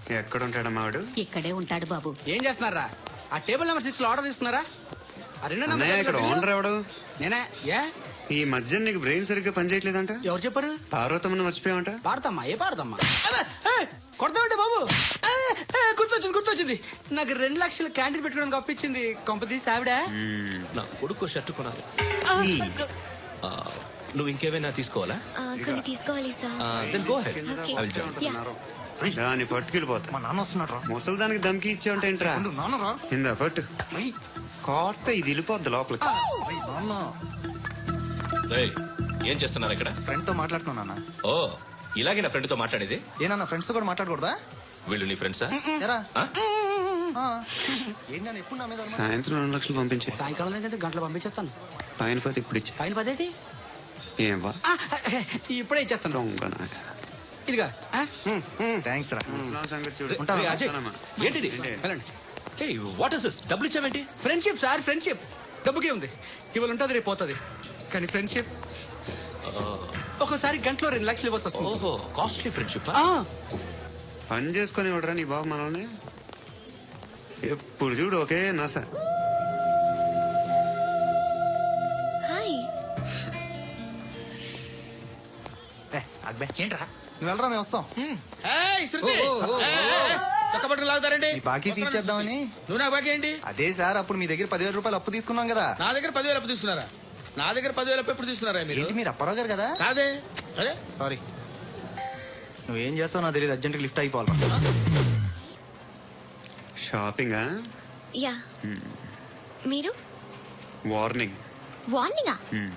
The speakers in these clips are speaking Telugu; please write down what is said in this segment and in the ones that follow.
ఎక్కడ ఉంటాడమ్మా వాడు? ఇక్కడే ఉంటాడు బాబు. ఏం చేస్తున్నారా? ఆ టేబుల్ నెంబర్ 6 లో ఆర్డర్ తీసుకున్నారా? ఆ రెండో అన్నయ్య, ఇక్కడ ఓనర్ ఎవడు? నేనే. ఏ ఈ మధ్య నీకు బ్రెయిన్ సరిగ్గా పనిచేయట్లేదంట. ఎవరు చెప్పారు? పార్వతమ్మను మర్చిపోయామంట. పాడతామ్మా? ఏ పాడతామ్మా? కొడతామంటే బాబు. గుర్తొచ్చింది. నాకు 2 లక్షల క్యాంటీన్ పెట్టుకోవడానికి అప్పించింది కొంపదీసి ఆవిడ. నా కొడుకు షర్ట్ కొనాలి. నువ్వు ఇంకేమైనా తీసుకోవాలా? కొన్ని తీసుకోవాలి sir. Then go ahead. Okay. I will join. దాన్ని పట్టుకెళ్ళిపోతా. మా నాన్న వస్తున్నాడు రా. ముసలి దానికి దమ్కి ఇచ్చావంట ఏంట్రా? నాన్న రా. ఇందా పట్టు. కోర్త ఇది వెళ్ళిపోద్ది లోపలికి. నాన్న రేయ్, ఏం చేస్తున్నారు ఇక్కడ? ఫ్రెండ్ తో మాట్లాడుతున్నా నాన్న. ఓ, ఇలాగే నా ఫ్రెండ్ తో మాట్లాడేది? ఏనా ఫ్రెండ్స్ తో కూడా మాట్లాడకూడదా? వీళ్ళు నీ ఫ్రెండ్సా? ఎరా ఏంటి నాన్న ఎప్పుడు నా మీద అనుమానం? సాయంత్రం 2 లక్షలు పంపించే. సాయంకాలం దగ్గర గంటలు పంపించేస్తాను. పైన పోతే ఇప్పుడు ఇచ్చే. పైన 10 ఏం వా ఇప్పుడే ఇచ్చేస్తాను. దొంగ నాయ. ఇదిగా థ్యాంక్స్ రా. ముసలాం సంగతి చూడు. రేయ్, అజయ్, వస్తానమ్మా. ఏంటిది? వెళ్ళండి. Hey, what is this? డబ్బులు ఇచ్చావేంటి? Friendship sir, friendship. డబ్బుకే ఉంది. ఇవాళ ఉంటుంది, రేపు పోతుంది. కానీ ఫ్రెండ్షిప్ ఒక్కోసారి గంటలో 2 లక్షలు ఇవ్వాల్సి వస్తుంది. ఓహో, కాస్ట్లీ ఫ్రెండ్షిప్. పని చేసుకొని ఇవ్వడరా నీ బాబు మనల్ని? ఎప్పుడు చూడు ఒకే నస. హాయ్. అక్బే ఏంట్రా? నువ్వు వెళ్ళరా, మేము వస్తాం. లాగుతారండి. ఈ బాకీ తీర్చేద్దామని. నువ్వు నాకు బాకీ ఏంటి? అదే సార్, అప్పుడు మీ దగ్గర 10,000 రూపాయలు అప్పు తీసుకున్నాం కదా. నా దగ్గర 10,000 అప్పు తీసుకున్నారా? నా దగ్గర 10,000 అప్పు ఎప్పుడు తీసుకున్నారా మీరు? ఏంటి మీరు అప్పారావు గారు కదా? కాదే. అరే సారీ. నువ్వేం చేస్తావు నాకు తెలియదు, అర్జెంట్గా లిఫ్ట్ అయిపోవాలి. షాపింగా? యా. మీరు? వార్నింగ్. వార్నింగా?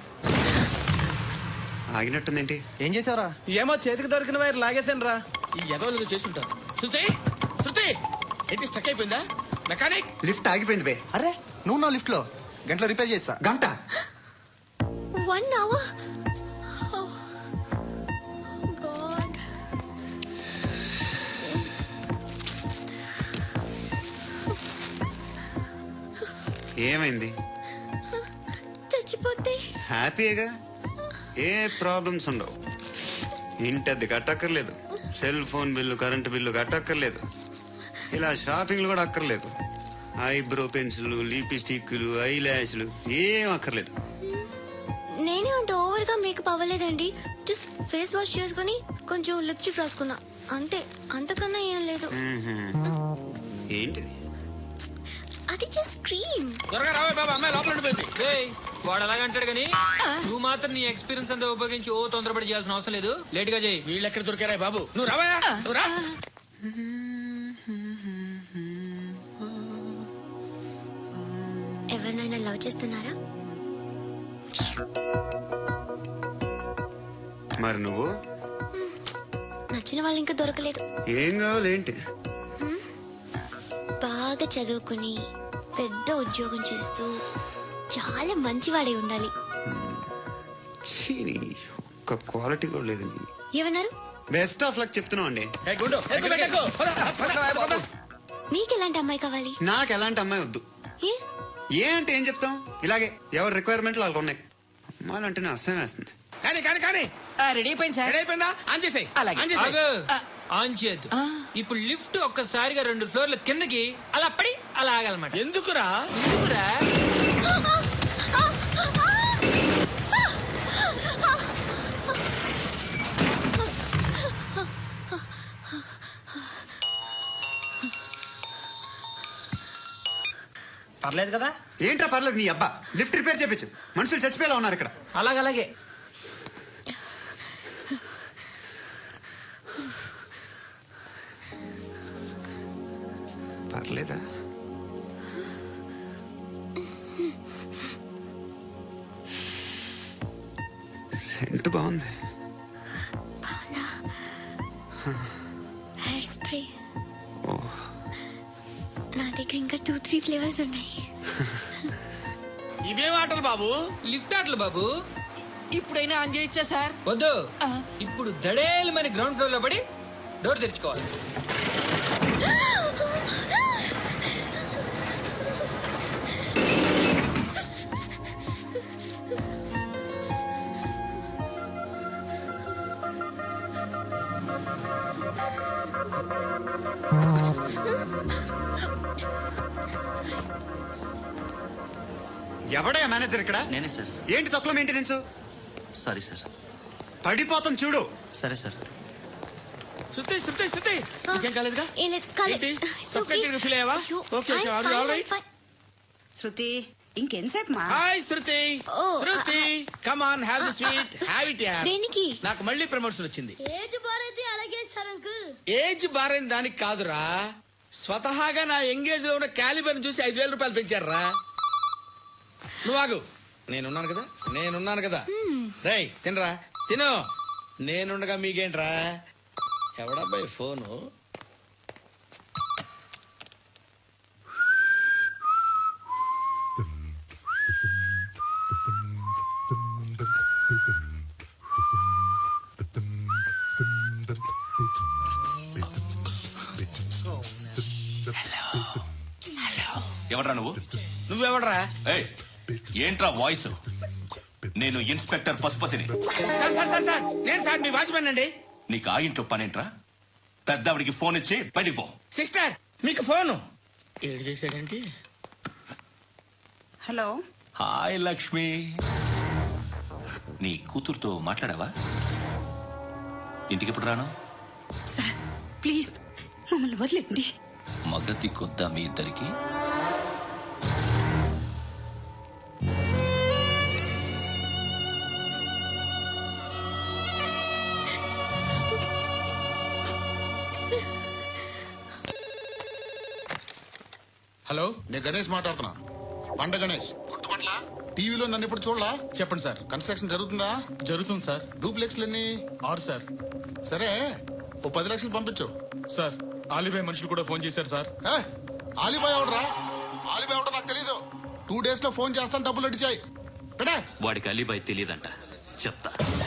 ఆగినట్టుందేంటి? ఏం చేసావురా? ఏమో చేతికి దొరికిన వైర్ లాగేసాను రా. ఈ ఎదవలు చేస్తుంటారు. శృతి ఏంటి స్టక్ అయిపోయిందా? మెకానిక్. లిఫ్ట్ ఆగిపోయింది బే. అరే నువ్వు నా లిఫ్ట్ లో గంటలో రిపేర్ చేస్తా. గంట? 1 hour? Oh, God. ఏమైంది? చచ్చిపోతే? హ్యాపీగా, ఏ ప్రాబ్లమ్స్ ఉండవు. ఇంటి అద్దె కట్టక్కర్లేదు, cell phone bill, current bill కట్టక్కర్లేదు, ఇలా షాపింగ్లు కూడా అక్కర్లేదు. ఐబ్రో పెన్సిల్, లిప్స్టిక్లు, ఐ ల్యాష్లు ఏం అక్కర్లేదు. నేనే అంత ఓవర్ గా మేకప్ అవ్వలేదండి. జస్ట్ ఫేస్ వాష్ చేసుకుని కొంచెం లిప్స్టిక్ రాసుకున్నా అంతే. అంతకన్నా ఏం లేదు. ఏంటిది? అది జస్ట్ క్రీమ్. త్వరగా రావే బాబా, అమ్మాయి లోపల ఉండిపోయింది. వాడు అలాగంటాడు కానీ నువ్వు మాత్రం నీ ఎక్స్పీరియన్స్ అంతా ఉపయోగించి ఓ తొందరపడి చేయాల్సిన అవసరం లేదు. లేట్ గా చేయి. వీళ్ళు ఎక్కడ దొరికారా బాబు? నువ్వు రావా, నువ్వు రా. ఎవరినైనా లవ్ చేస్తున్నారా? మరి నువ్వు? నచ్చిన వాళ్ళు ఇంకా దొరకలేదు. ఏం కావాలి ఏంటి? బాగా చదువుకుని పెద్ద ఉద్యోగం చేస్తూ చాలా మంచివాడే ఉండాలి. ఒక్క క్వాలిటీ కూడా లేదు. ఏమన్నారు? బెస్ట్ ఆఫ్ లక్ చెప్తున్నావు అండి. మీకు ఎలాంటి అమ్మాయి కావాలి? నాకు ఎలాంటి అమ్మాయి వద్దు. ఏ ఏ అంటే ఏం చెప్తాం, ఇలాగే ఎవరి రిక్వైర్మెంట్లు వాళ్ళకు ఉన్నాయి. అమ్మాయిలు అంటేనే అసహ్యం వేస్తుంది. కానీ రెడీ అయిపోయింది సార్. రెడీ అయిపోయిందా? ఆన్ చేసేయ్. ఆగు. ఆన్ చేయద్దు. ఇప్పుడు లిఫ్ట్ ఒక్కసారిగా 2 ఫ్లోర్ల కిందకి అలా పడి అలా ఆగాలన్నమాట. ఎందుకురా? ఎందుకురా? పర్లేదు కదా? ఏంట్రా పర్లేదు, నీ అబ్బా లిఫ్ట్ రిపేర్ చేపించు. మనుషులు చచ్చిపోయేలా ఉన్నారు ఇక్కడ. అలాగే పర్లేదా? సెంట్ బాగుంది. Hair spray. నా దగ్గర ఇంకా 2-3 ఫ్లేవర్స్ ఉన్నాయి. ఇవేం ఆటలు బాబు? లిఫ్ట్ ఆటలు బాబు. ఇప్పుడైనా ఆన్ చేయొచ్చా సార్? వద్దు. ఇప్పుడు దడేలమైన గ్రౌండ్ ఫ్లోర్ లో పడి డోర్ తెరుచుకోవాలి. ఎవడయ్యా మేనేజర్ ఇక్కడ? నేనే సార్. ఏంటి తక్కువ మెయింటెనెన్స్? Sorry sir. పడిపోతాం చూడు. సరే సార్. శృతి శృతి శృతి ఇంకేం కాలేదుగా? ఏం లేదు, కాలేదు. ఏంటి? It's Suffocated okay. గా feel అయ్యావా? అయ్యో, Okay, okay. I'm Are you fine, all I'm right? fine. Shruti ఇంకెంతసేపు మా hi Shruti. Oh, Shruti come on have the sweet have it yeah. దేనికి? నాకు మళ్ళీ ప్రమోషన్ వచ్చింది. ఏజ్ బారైతే అలాగే సార్ అంకుల్. ఏజ్ బారైన దానికి కాదురా, స్వతహాగా నా ఎంగేజ్ లో ఉన్న క్యాలిబర్ చూసి 5,000 రూపాయలు పెంచారా. నువ్వు ఆగు, నేనున్నాను కదా. రేయ్ తినరా, తిను. నేనుండగా మీకేంట్రా? ఎవడబ్బాయి ఫోను? ఎవడ్రా నువ్వు? నువ్వెవడరా? ఏయ్, ఏంట్రా వాయిస్? నేను ఇన్స్పెక్టర్ పశుపతిని. సార్ నేను సార్ మీ వాచ్మెన్ అండి. నీకు ఆ ఇంట్లో పనేంట్రా? పెద్దవిడికి ఫోన్ ఇచ్చి బయటికి పో. సిస్టర్ మీకు ఫోను. ఏడు చేశాడంటే. Hello hi Lakshmi. నీ కూతురుతో మాట్లాడావా? ఇంటికి ఎప్పుడు రాను? సార్ ప్లీజ్ మమ్మల్ని వదిలేండి. మగతి కొద్దా మీ ఇద్దరికి? హలో, నేను గణేష్ మాట్లాడుతున్నా. పండ గణేష్ గుర్తుపట్ల టీవీలో నన్ను ఇప్పుడు చూడలా? చెప్పండి సార్. కన్స్ట్రక్షన్ జరుగుతుందా? జరుగుతుంది సార్. డూప్లెక్స్లు ఎన్ని? 6 సార్. సరే ఓ 10 లక్షలు పంపించు. సార్ ఆలిబాయ్ మనుషులు కూడా ఫోన్ చేశారు సార్. ఏ, ఆలిబాయ్ ఎవడరా? ఆలిబాయ్ ఎవడో నాకు తెలీదు. 2 days లో ఫోన్ చేస్తాను, డబ్బులు అడిచాయి. పెడే. వాడికి అలీబాయ్ తెలియదంట, చెప్తా.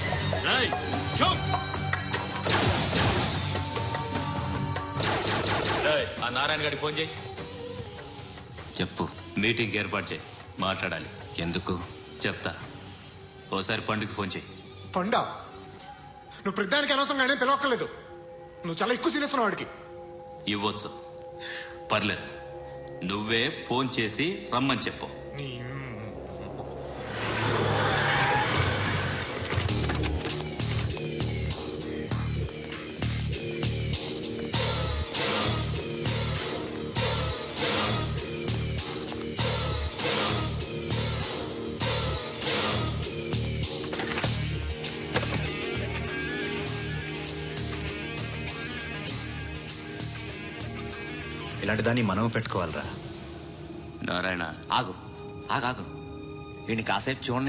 ఆ నారాయణ గారికి ఫోన్ చేయి. చెప్పు, మీటింగ్ ఏర్పాటు చేయి, మాట్లాడాలి. ఎందుకు చెప్తా. ఓసారి పండుగ ఫోన్ చేయి. పండా, నువ్వు ప్రతిదానికి అనవసరంగానే పిలవక్కర్లేదు. నువ్వు చాలా ఎక్కువ సీనిస్తున్నావు వాడికి. ఇవ్వచ్చు, పర్లేదు. నువ్వే ఫోన్ చేసి రమ్మని చెప్పు. ఇలాంటి దాన్ని మనం పెట్టుకోవాలరా. నారాయణ, ఆగు ఆగాగు, వీడిని కాసేపు చూడండి.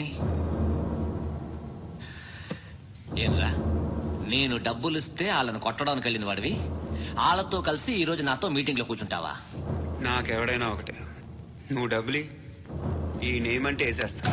ఏంట్రా, నేను డబ్బులు ఇస్తే వాళ్ళని కొట్టడానికి వెళ్ళిన వాడివి, వాళ్ళతో కలిసి ఈ రోజు నాతో మీటింగ్ లో కూర్చుంటావా? నాకెవడైనా ఒకటే, నువ్వు డబ్బులి, ఈ నేమ్ అంటే వేసేస్తా.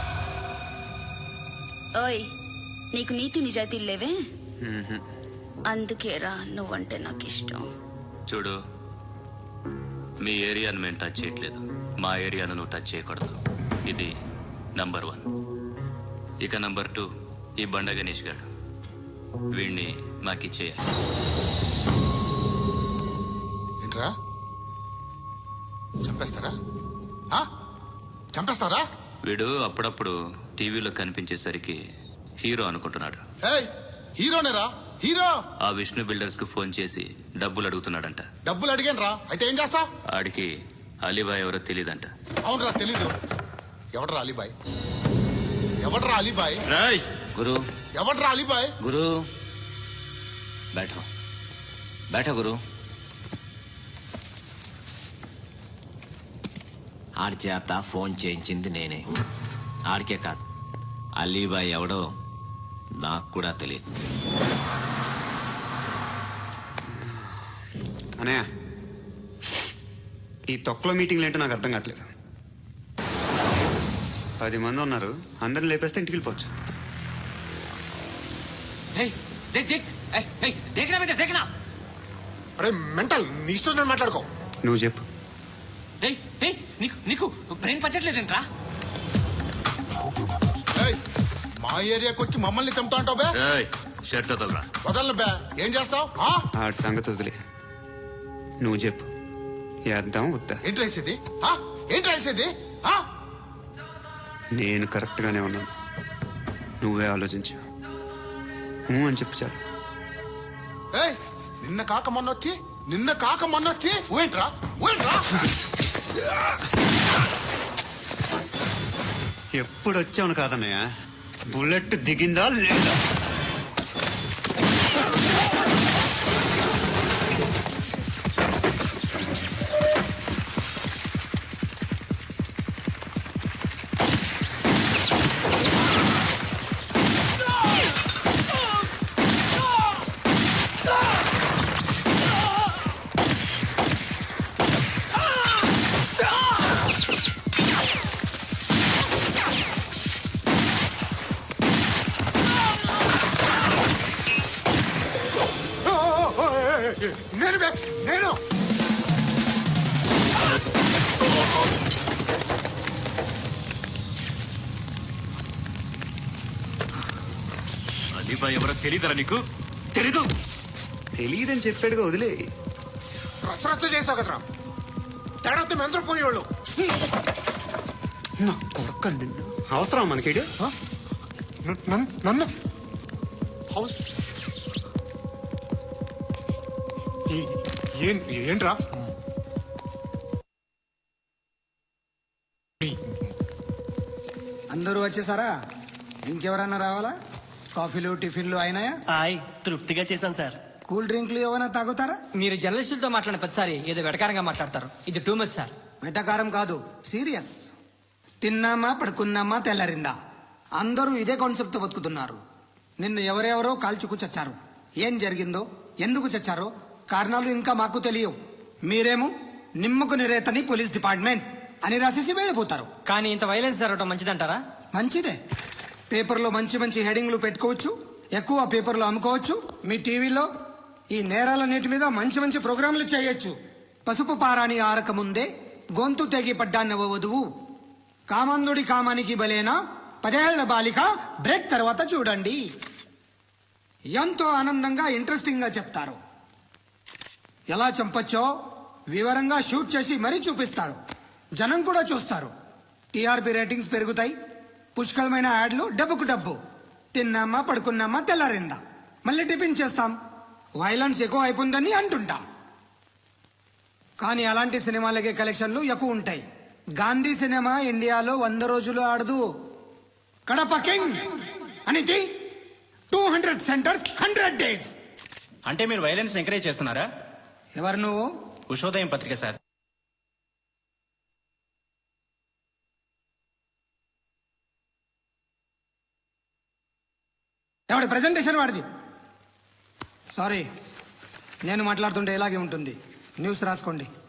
ఓయ్, నీకు నీతి నిజాయితీలు లేవే, మ్మ్హ. అందుకేరా నువ్వంటే నాకు ఇష్టం. చూడు, మీ ఏరియాను మేము టచ్ చేయట్లేదు, మా ఏరియాను నువ్వు టచ్ చేయకూడదు. ఇది నంబర్ 1. ఇక నంబర్ 2, ఈ బండ గణేష్ గారు, వీడిని మాకిచ్చేయాలి. ఏంట్రా, చంపేస్తారా? ఆ? చంపేస్తారా? వీడు అప్పుడప్పుడు టీవీలో కనిపించేసరికి హీరో అనుకుంటున్నాడు. ఏయ్, హీరోనేరా, హీరో. ఆ విష్ణు బిల్డర్స్ కు ఫోన్ చేసి డబ్బులు అడుగుతున్నాడంట. డబ్బులు అడిగాను రా, అయితే ఏం చేస్తా? ఆడికి అలీబాయ్ ఎవరో తెలీదంట. అవునరా, తెలీదు. ఎవడరా అలీబాయ్? ఎవడరా అలీబాయ్? గురు, ఎవడరా అలీబాయ్? గురు బైఠో బైఠో గురు. ఆడి చేత ఫోన్ చేయించింది నేనే. ఆడికే కాదు, అలీబాయ్ ఎవడో నాకు కూడా తెలియదు. అనయ్య, ఈ తొక్కలో మీటింగ్లు ఏంటో నాకు అర్థం కావట్లేదు. 10 మంది ఉన్నారు, అందరిని లేపేస్తే ఇంటికి వెళ్ళిపోవచ్చు. అరే మెంటల్, నీ ఇష్టం నేను మాట్లాడుకో. నువ్వు చెప్పు. నీకు బ్రెయిన్ పచ్చట్లేదంట్రా? ఏయ్, మా ఏరియాకి వచ్చి మమ్మల్ని చంపుతా అంటావు బే? షర్ట్ వదలరా. వదలను బే. ఏం చేస్తావు? ఆడి సంగతి వదిలే, నువ్వు చెప్పు, వేద్దాం వద్దా? ఏంటి రాసేది? ఏంటి రాసేది? నేను కరెక్ట్గానే ఉన్నాను, నువ్వే ఆలోచించు. అని చెప్పు చాలు. ఏయ్, నిన్న కాక మొన్నొచ్చి ఊయంట్రా. ఎప్పుడు వచ్చావును కాదన్నయ్య, బుల్లెట్ దిగిందా లేదా? నేను అలీబాయ్ ఎవరో తెలీదరా నీకు? తెలీదు. తెలియదని చెప్పాడుగా, వదిలే. రచ్చ చేస్తావు కదరా. తేడా మెంతరం పోయేవాళ్ళు. నా కొడుకు అవసరం మనకి. నన్ను హౌస్ ఏంట్రా? అందరూ వచ్చేసారా? ఇంకెవరన్నా రావాలా? కాఫీలు టిఫిన్లు అయినాయా? తృప్తిగా చేశాను సార్. కూల్ డ్రింక్లు ఏమైనా తాగుతారా? మీరు జర్నలిస్టులతో మాట్లాడిన ప్రతిసారి ఏదో వెటకారంగా మాట్లాడతారు. ఇది టూ మచ్ సార్. వెటకారం కాదు, సీరియస్. తిన్నామా పడుకున్నామా తెల్లరిందా, అందరూ ఇదే కాన్సెప్ట్ బతుకుతున్నారు. నిన్ను ఎవరెవరో కాల్చుకు చచ్చారు. ఏం జరిగిందో, ఎందుకు చచ్చారో కారణాలు ఇంకా మాకు తెలియవు. మీరేమో నిమ్మకు నిరేతని పోలీస్ డిపార్ట్మెంట్ అని రాసేసి వెళ్ళిపోతారు. కానీ ఇంత వైలెన్స్ జరగడం మంచిదంటారా? మంచిదే. పేపర్లో మంచి మంచి హెడింగ్లు పెట్టుకోవచ్చు, ఎక్కువ పేపర్లు అమ్ముకోవచ్చు. మీ టీవీలో ఈ నేరాలన్నిటి మీద మంచి మంచి ప్రోగ్రాంలు చేయొచ్చు. పసుపు పారాని ఆరక ముందే గొంతు తెగి పడ్డాన్నవ వధువు, కామందుడి కామానికి బలేనా 10 ఏళ్ల బాలిక బ్రేక్ తర్వాత చూడండి. ఎంతో ఆనందంగా ఇంట్రెస్టింగ్ గా చెప్తారు. ఎలా చంపచ్చో వివరంగా షూట్ చేసి మరీ చూపిస్తారు. జనం కూడా చూస్తారు. టీఆర్పీ రేటింగ్స్ పెరుగుతాయి. పుష్కలమైన యాడ్లు, డబ్బుకు డబ్బు. తిన్నామా పడుకున్నామా తెల్లారిందా, మళ్ళీ టిఫిన్ చేస్తాం. వైలెన్స్ ఎక్కువ అయిపోయిందని అంటుంటాం. కానీ అలాంటి సినిమాలకే కలెక్షన్లు ఎక్కువ ఉంటాయి. గాంధీ సినిమా ఇండియాలో 100 రోజులు ఆడదు. కడప కింగ్ అనేది 200 సెంటర్స్ 100 డేస్. అంటే మీరు వైలెన్స్ ఎంకరేజ్ చేస్తున్నారా? ఎవరు నువ్వు? ఉషోదయం పత్రిక సార్. ఎవడి ప్రెజెంటేషన్ వాడిది. సారీ, నేను మాట్లాడుతుంటే ఇలాగే ఉంటుంది. న్యూస్ రాసుకోండి.